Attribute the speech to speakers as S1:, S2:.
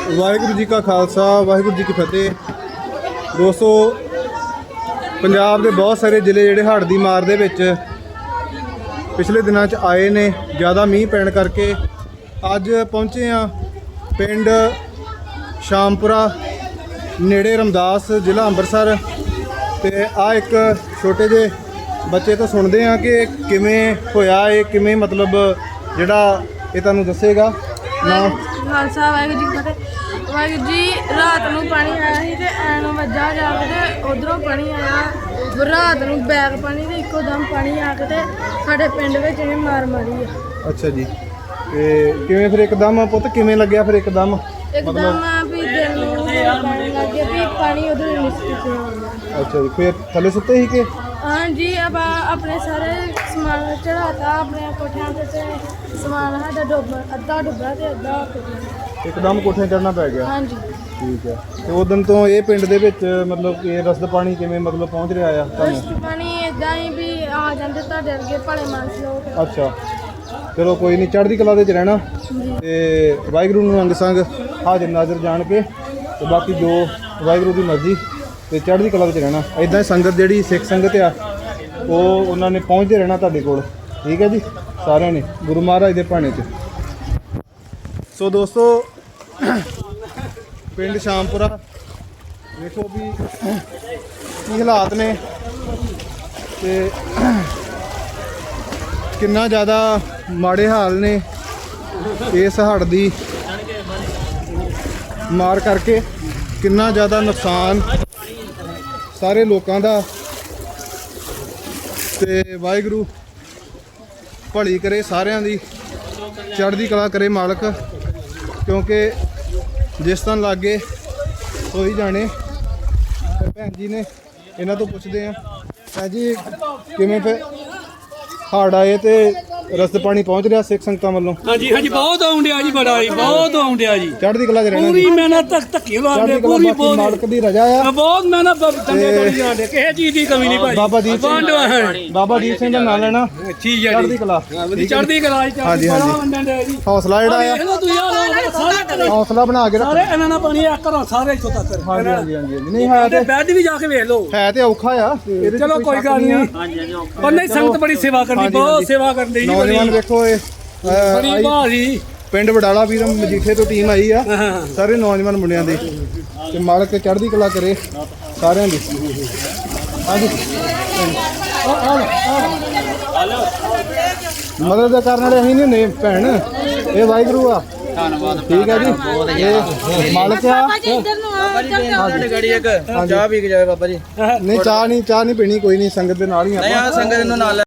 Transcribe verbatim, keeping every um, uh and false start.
S1: ਵਾਹਿਗੁਰੂ ਜੀ ਕਾ ਖਾਲਸਾ ਵਾਹਿਗੁਰੂ ਜੀ ਕੀ ਫਤਿਹ। ਦੋਸਤੋ, ਪੰਜਾਬ ਦੇ ਬਹੁਤ ਸਾਰੇ ਜ਼ਿਲ੍ਹੇ ਜਿਹੜੇ ਹੜ੍ਹ ਦੀ ਮਾਰ ਦੇ ਵਿੱਚ ਪਿਛਲੇ ਦਿਨਾਂ 'ਚ ਆਏ ਨੇ, ਜ਼ਿਆਦਾ ਮੀਂਹ ਪੈਣ ਕਰਕੇ ਅੱਜ ਪਹੁੰਚੇ ਆ ਪਿੰਡ ਸ਼ਾਮਪੁਰਾ ਨੇੜੇ ਰਮਦਾਸ, ਜ਼ਿਲ੍ਹਾ ਅੰਮ੍ਰਿਤਸਰ। ਤੇ ਆ ਇੱਕ ਛੋਟੇ ਜਿਹੇ ਬੱਚੇ ਤੋਂ ਸੁਣਦੇ ਆ ਕਿ ਕਿਵੇਂ ਹੋਇਆ, ਇਹ ਕਿਵੇਂ ਮਤਲਬ ਜਿਹੜਾ ਇਹ ਤੁਹਾਨੂੰ ਦੱਸੇਗਾ। ਨਾ
S2: ਖਾਲਸਾ ਵਾਹਿਗੁਰੂ ਜੀ ਕੀ ਫਤਿਹ। ਵਾਹਿਗੁਰੂ ਜੀ, ਰਾਤ ਨੂੰ ਪਾਣੀ ਆਇਆ ਸੀ ਤੇ ਐਨ ਵੱਜਾ ਜਾ ਕੇ ਤੇ ਉਧਰੋਂ ਪਾਣੀ ਆਇਆ ਰਾਤ ਨੂੰ ਬੈਗ ਪਾਣੀ ਤੇ ਇੱਕੋ ਦਮ ਪਾਣੀ ਆ ਕੇ ਤੇ ਸਾਡੇ ਪਿੰਡ ਵਿੱਚ ਇਹਨੇ ਮਾਰ ਮਾਰੀ ਆ।
S1: ਅੱਛਾ ਜੀ, ਤੇ ਕਿਵੇਂ ਫਿਰ ਇੱਕਦਮ ਪੁੱਤ ਕਿਵੇਂ ਲੱਗਿਆ ਫਿਰ ਇੱਕਦਮ?
S2: ਇੱਕਦਮ ਵੀ ਦਿਲ ਨੂੰ ਪਾਣੀ ਲੱਗ ਗਿਆ ਵੀ ਪਾਣੀ ਉਧਰ ਨਿਸਕ ਕੇ ਆਉਂਦਾ।
S1: ਅੱਛਾ ਜੀ, ਫਿਰ ਥੱਲੇ ਸੁੱਤੇ ਸੀ ਕਿ?
S2: ਹਾਂਜੀ, ਆਪਾਂ ਆਪਣੇ ਸਾਰੇ ਸਮਾਨ ਚੜਾਤਾ, ਆਪਣੇ ਕੋਠਿਆਂ ਤੇ ਤੇ ਸਮਾਨ ਸਾਡਾ ਡੁੱਬ ਅੱਧਾ ਡੁੱਬਾ ਤੇ ਅੱਧਾ ਕੋਠਿਆਂ।
S1: ਇੱਕਦਮ ਕੋਠੇ ਚੜ੍ਹਨਾ ਪੈ ਗਿਆ।
S2: ਹਾਂਜੀ
S1: ਠੀਕ ਹੈ। ਤੇ ਉਸ ਦਿਨ ਤੋਂ ਇਹ ਪਿੰਡ ਦੇ ਵਿੱਚ ਮਤਲਬ ਕਿ ਰਸਦ ਪਾਣੀ ਕਿਵੇਂ ਮਤਲਬ ਪਹੁੰਚ ਰਿਹਾ ਆ ਤੁਹਾਨੂੰ?
S2: ਰਸਦ ਪਾਣੀ ਇਦਾਂ ਹੀ ਵੀ ਆ ਜਾਂਦੇ ਤੁਹਾਡੇ ਅੱਗੇ ਭਲੇ ਮਾਨਸ ਲੋਕ।
S1: ਅੱਛਾ, ਚਲੋ ਕੋਈ ਨਹੀਂ, ਚੜ੍ਹਦੀ ਕਲਾ ਦੇ ਵਿੱਚ ਰਹਿਣਾ ਤੇ ਵਾਹਿਗੁਰੂ ਨੂੰ ਅੰਗ ਸੰਗ ਹਾਜ਼ਰ ਨਾਜ਼ਰ ਜਾਣ ਕੇ ਤੇ ਬਾਕੀ ਜੋ ਵਾਹਿਗੁਰੂ ਦੀ ਮਰਜ਼ੀ ਤੇ ਚੜ੍ਹਦੀ ਕਲਾ ਵਿੱਚ ਰਹਿਣਾ। ਇਦਾਂ ਹੀ ਸੰਗਤ ਜਿਹੜੀ ਸਿੱਖ ਸੰਗਤ ਆ ਉਹ ਉਹਨਾਂ ਨੇ ਪਹੁੰਚਦੇ ਰਹਿਣਾ ਤੁਹਾਡੇ ਕੋਲ। ਠੀਕ ਹੈ ਜੀ, ਸਾਰਿਆਂ ਨੇ ਗੁਰੂ ਮਹਾਰਾਜ ਦੇ ਭਾਣੇ 'ਚ। ਸੋ ਦੋਸਤੋ, ਪਿੰਡ ਸ਼ਾਮਪੁਰਾ ਵੇਖੋ ਵੀ ਕੀ ਹਾਲਾਤ ਨੇ ਤੇ ਕਿੰਨਾ ਜ਼ਿਆਦਾ ਮਾੜੇ ਹਾਲ ਨੇ ਇਸ ਹੜ੍ਹ ਦੀ ਮਾਰ ਕਰਕੇ। ਕਿੰਨਾ ਜ਼ਿਆਦਾ ਨੁਕਸਾਨ ਸਾਰੇ ਲੋਕਾਂ ਦਾ। ਤੇ ਵਾਹਿਗੁਰੂ ਭਲੀ ਕਰੇ ਸਾਰਿਆਂ ਦੀ, ਚੜ੍ਹਦੀ ਕਲਾ ਕਰੇ ਮਾਲਕ, ਕਿਉਂਕਿ ਜਿਸ ਤਰ੍ਹਾਂ ਲਾਗੇ ਸੋਈ ਜਾਣੇ। ਤੇ ਭੈਣ ਜੀ ਨੇ ਇਹਨਾਂ ਤੋਂ ਪੁੱਛਦੇ ਆ, ਭੈਣ ਜੀ ਕਿਵੇਂ ਫਿਰ ਹੜ੍ਹ ਆਏ ਤੇ ਰਸਦ ਪਾਣੀ ਪਹੁੰਚ ਰਿਹਾ ਸਿੱਖ ਸੰਗਤਾਂ ਵੱਲੋਂ?
S3: ਹਾਂਜੀ ਹਾਂਜੀ, ਬਹੁਤ ਆਉਂਦਿਆ ਜੀ, ਬੜਾ ਜੀ, ਬਹੁਤ ਆਉਂਦਿਆ ਜੀ।
S1: ਚੜ੍ਹਦੀ ਕਲਾ 'ਚ ਰਹਿਣਾ
S3: ਪੂਰੀ ਮਿਹਨਤ ਤੱਕ ਧੱਕੇ ਲਾਉਂਦੇ,
S1: ਚੜ੍ਹਦੀ ਕਲਾ,
S3: ਪੂਰੀ
S1: ਬਾਕੀ
S3: ਬਹੁਤ
S1: ਮਾਲਕ ਦੀ ਰਜ਼ਾ ਆ।
S3: ਬਹੁਤ ਮਿਹਨਤ ਚੰਗੇ ਕਰੀ ਜਾਂਦੇ, ਕਿਸੇ ਚੀਜ਼ ਦੀ ਕਮੀ ਨਹੀਂ ਭਾਈ।
S1: ਬਾਬਾ ਦੀਪ ਸਿੰਘ ਬਾਬਾ ਦੀਪ ਸਿੰਘ ਦਾ ਨਾਂ ਲੈਣਾ।
S3: ਠੀਕ ਹੈ
S1: ਚੜ੍ਹਦੀ
S3: ਜੀ,
S1: ਕਲਾ,
S3: ਚੜ੍ਹਦੀ ਕਲਾ ਜੀ।
S1: ਹਾਂਜੀ, ਹਾਂਜੀ।
S3: ਬੜਾ ਵੰਡਣ ਦੇ ਜੀ,
S1: ਹੌਸਲਾ ਜਿਹੜਾ ਆ,
S3: ਇਹਨਾਂ ਤੁਸੀਂ ਯਾਰ ਸਾਰੇ
S1: ਹੌਸਲਾ ਬਣਾ ਕੇ ਰੱਖੋ।
S3: ਸਾਰੇ ਇਹਨਾਂ ਨਾਲ ਪਾਣੀ ਆ ਘਰੋਂ ਸਾਰੇ ਇੱਥੋਂ ਤੱਕ।
S1: ਹਾਂਜੀ ਹਾਂਜੀ ਹਾਂਜੀ, ਨਹੀਂ ਹੈ
S3: ਤੇ
S1: ਤੇ
S3: ਬੈੱਡ ਵੀ ਜਾ ਕੇ ਵੇਖ ਲਓ,
S1: ਹੈ ਤੇ ਔਖਾ ਆ। ਇਹਦੇ 'ਚ
S3: ਚਲੋ ਕੋਈ
S1: ਸ਼ੱਕ
S3: ਗੱਲ ਨਹੀਂ।
S1: ਆ।
S3: ਪਰ ਨਹੀਂ, ਸੰਗਤ ਬੜੀ ਸੇਵਾ ਕਰਦੀ,
S1: ਹਾਂਜੀ,
S3: ਬਹੁਤ
S1: ਹਾਂਜੀ।
S3: ਸੇਵਾ ਕਰਦੀ ਜੀ।
S1: ਨੌਜਵਾਨ ਵੇਖੋ, ਇਹ ਅਹ,
S3: ਬੜੀ
S1: ਆਈ
S3: ਭਾਰੀ
S1: ਪਿੰਡ ਵਡਾਲਾ ਵੀਰ ਮਜੀਠੇ ਤੋਂ ਟੀਮ ਆਈ ਆ,
S3: ਹਾਂ।
S1: ਸਾਰੇ ਨੌਜਵਾਨ ਮੁੰਡਿਆਂ ਦੀ। ਤੇ ਮਾਲਕ ਚੜ੍ਹਦੀ ਕਲਾ ਕਰੇ ਸਾਰਿਆਂ ਦੀ। ਹਾਂਜੀ, ਮਦਦ ਕਰਨ ਵਾਲੇ ਅਸੀਂ ਨਹੀਂ ਹੁੰਦੇ ਭੈਣ, ਇਹ ਵਾਹਿਗੁਰੂ ਆ। ਧੰਨਵਾਦ, ਠੀਕ ਹੈ ਜੀ, ਇਹ ਮਾਲਕ ਆ।
S4: ਚਾਹ ਪੀ ਕੇ ਜਾਵੇ ਬਾਬਾ ਜੀ।
S1: ਨਹੀਂ ਚਾਹ ਨਹੀਂ ਚਾਹ ਨਹੀਂ ਪੀਣੀ, ਕੋਈ ਨਹੀਂ, ਸੰਗਤ ਦੇ ਨਾਲ ਹੀ ਆਪਾਂ।
S4: ਸੰਗਤ ਨੂੰ ਨਾਲ